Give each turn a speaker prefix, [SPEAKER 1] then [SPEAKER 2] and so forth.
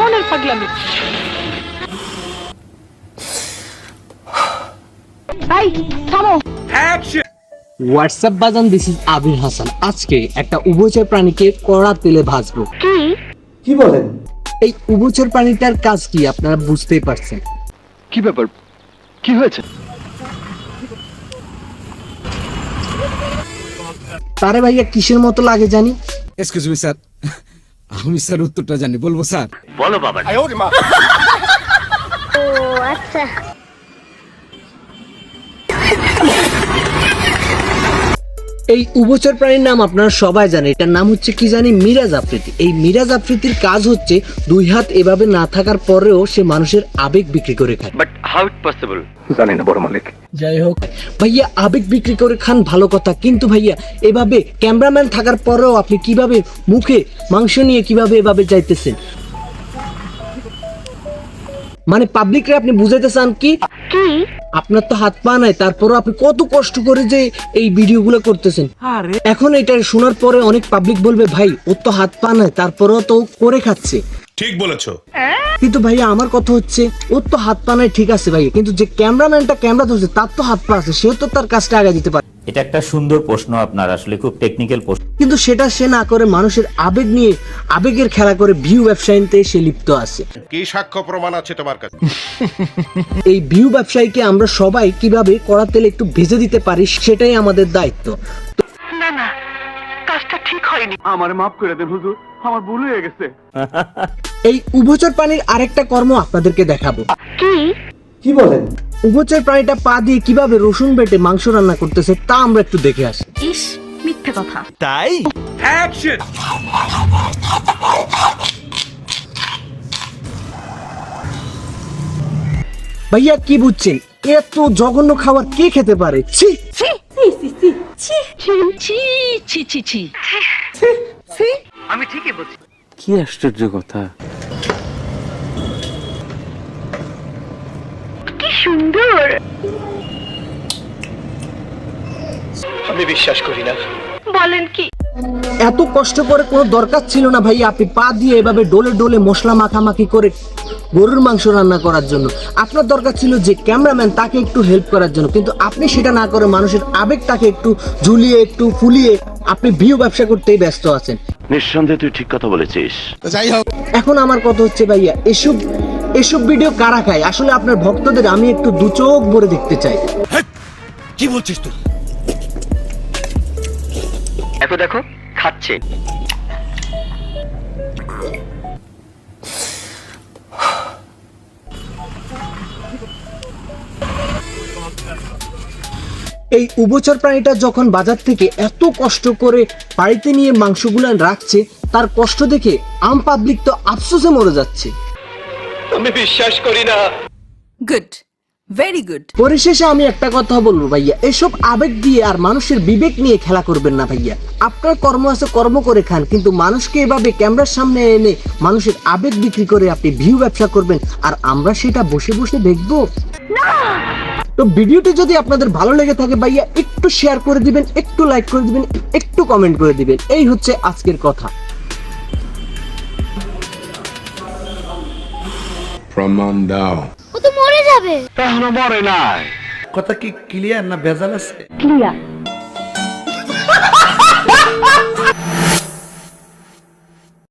[SPEAKER 1] ধরনের পাগলামি? এই থামো।
[SPEAKER 2] হোয়াটসঅ্যাপ বাজান, দিস ইজ আবির হাসান। আজকে একটা উভচর প্রাণীকে কড়া তেলে ভাজবো।
[SPEAKER 3] কি বলেন?
[SPEAKER 2] এই উভচর প্রাণীটার কাজ কি আপনারা বুঝতেই পারছেন।
[SPEAKER 4] কি ব্যাপার, কি হয়েছে?
[SPEAKER 2] তারে ভাইয়া কিসের মতো লাগে জানি?
[SPEAKER 5] এক্সকিউজ মি স্যার, আমি স্যার উত্তরটা জানি, বলবো স্যার?
[SPEAKER 4] বলো বাবা।
[SPEAKER 6] ও আচ্ছা।
[SPEAKER 2] এই উভচর প্রাণীর নাম আপনারা সবাই জানেন। এটার নাম হচ্ছে কি জানি, মিরাজ আফ্রিদি। এই মিরাজ আফ্রিদির কাজ হচ্ছে দুই হাত এভাবে না থাকার পরেও সে মানুষের আবেগ বিক্রি করে খায়।
[SPEAKER 4] But how it possible? জানি না বড় মালিক।
[SPEAKER 2] যাই হোক ভাইয়া, আবেগ বিক্রি করে খান ভালো কথা, কিন্তু ভাইয়া এভাবে ক্যামেরাম্যান থাকার পরেও আপনি কিভাবে মুখে মাংস নিয়ে কিভাবে এভাবে যাইতেছেন? মানে পাবলিকরে আপনি বুঝাইতে চান কি আপনার তো হাত পা নাই, তারপরও আপনি কত কষ্ট করে যে এই ভিডিওগুলো করতেছেন। এখন এটা শোনার পরে অনেক পাবলিক বলবে, ভাই ওর তো হাত পা নাই, তারপরেও তো করে খাচ্ছে।
[SPEAKER 7] ঠিক বলেছো।
[SPEAKER 2] কিন্তু ভাইয়া আমার কথা হচ্ছে, ওর তো হাত পা নাই ঠিক আছে ভাইয়া, কিন্তু যে ক্যামেরাম্যানটা ক্যামেরা ধরছে তার তো হাত পা আছে, সেও তো তার কাজটা আগে দিতে পারে।
[SPEAKER 8] এটা একটা সুন্দর প্রশ্ন, আপনার আসলে খুব টেকনিক্যাল প্রশ্ন,
[SPEAKER 2] কিন্তু সেটা সে না করে মানুষের আবেগ নিয়ে আবেগের খেলা করে ভিউ ব্যবসায়ীতে সে লিপ্ত আছে।
[SPEAKER 7] কি সাক্ষ্য প্রমাণ আছে তোমার কাছে?
[SPEAKER 2] এই ভিউ ব্যবসায়ীকে আমরা সবাই কিভাবে কড়া তেলে একটু ভেজে দিতে পারি, সেটাই আমাদের দায়িত্ব।
[SPEAKER 1] না না, কাজটা ঠিক হয়নি।
[SPEAKER 4] আমার মাফ করে দেন হুজুর, আমার ভুল হয়ে গেছে।
[SPEAKER 2] এই উভচর প্রাণীর আরেকটা কর্ম আপনাদেরকে দেখাবো।
[SPEAKER 3] কি বলেন?
[SPEAKER 2] উভচর প্রাণীটা পা দিয়ে কিভাবে রসুন বেটে মাংস রান্না করতেছে তা আমরা একটু দেখে আসি।
[SPEAKER 1] ইস, মিথ্যে কথা।
[SPEAKER 4] তাই
[SPEAKER 7] অ্যাকশন।
[SPEAKER 2] ভাইয়া কি বুঝছেন, এত জঘন্য খাবার কে খেতে পারে? ছি!
[SPEAKER 1] আমি ঠিকই বলছি।
[SPEAKER 4] কি আশ্চর্য কথা।
[SPEAKER 1] কি সুন্দর।
[SPEAKER 4] আমি বিশ্বাস করি না।
[SPEAKER 1] বলেন কি?
[SPEAKER 2] এত কষ্ট করে কোনো দরকার ছিল না ভাইয়া, আপনি পা দিয়ে এভাবে ডোলে ডোলে মশলা মাখামাখি করে গরুর মাংস রান্না করার জন্য। আপনার দরকার ছিল যে ক্যামেরাম্যান, তাকে একটু হেল্প করার জন্য, কিন্তু আপনি সেটা না করে মানুষের আবেগটাকে একটু ঝুলিয়ে একটু ফুলিয়ে আপনি ভিউ ব্যবসা করতেই ব্যস্ত আছেন।
[SPEAKER 9] নিঃসন্দেহে তুই ঠিক কথা বলেছিস।
[SPEAKER 5] যাই হোক,
[SPEAKER 2] এখন আমার কথা হচ্ছে ভাইয়া, এসব ভিডিও কারা খায়? আসলে আপনার ভক্তদের আমি একটু দু চোখ ভরে দেখতে চাই।
[SPEAKER 5] কি বলছিস তুই?
[SPEAKER 4] এত দেখো খাচ্ছে।
[SPEAKER 2] এই উভচর প্রাণীটা যখন বাজার থেকে এত কষ্ট করে বাড়িতে নিয়ে মাংসগুলো রাখছে, তার কষ্ট দেখে আম পাবলিক তো আফসোসে মরে যাচ্ছে।
[SPEAKER 4] আমি বিশ্বাস করি না।
[SPEAKER 1] Good, very good.
[SPEAKER 2] পরিশেষে আমি একটা কথা বলবো ভাইয়া, এসব আবেগ দিয়ে আর মানুষের বিবেক নিয়ে খেলা করবেন না ভাইয়া। আপনার কর্ম আছে, কর্ম করে খান, কিন্তু মানুষকে এভাবে ক্যামেরার সামনে এনে মানুষের আবেগ বিক্রি করে আপনি ভিউ ব্যবসা করবেন, আর আমরা সেটা বসে বসে দেখবো? তো ভিডিওটি যদি আপনাদের ভালো লেগে থাকে ভাইয়া, একটু শেয়ার করে দিবেন, একটু লাইক করে দিবেন, একটু কমেন্ট করে দিবেন। এই হচ্ছে আজকের কথা।
[SPEAKER 7] প্রমাণ দাও।
[SPEAKER 6] ও তো মরে যাবে।
[SPEAKER 4] এখনো মরে নাই।
[SPEAKER 3] কথা কি ক্লিয়ার না ভেজাল আছে?
[SPEAKER 1] ক্লিয়ার।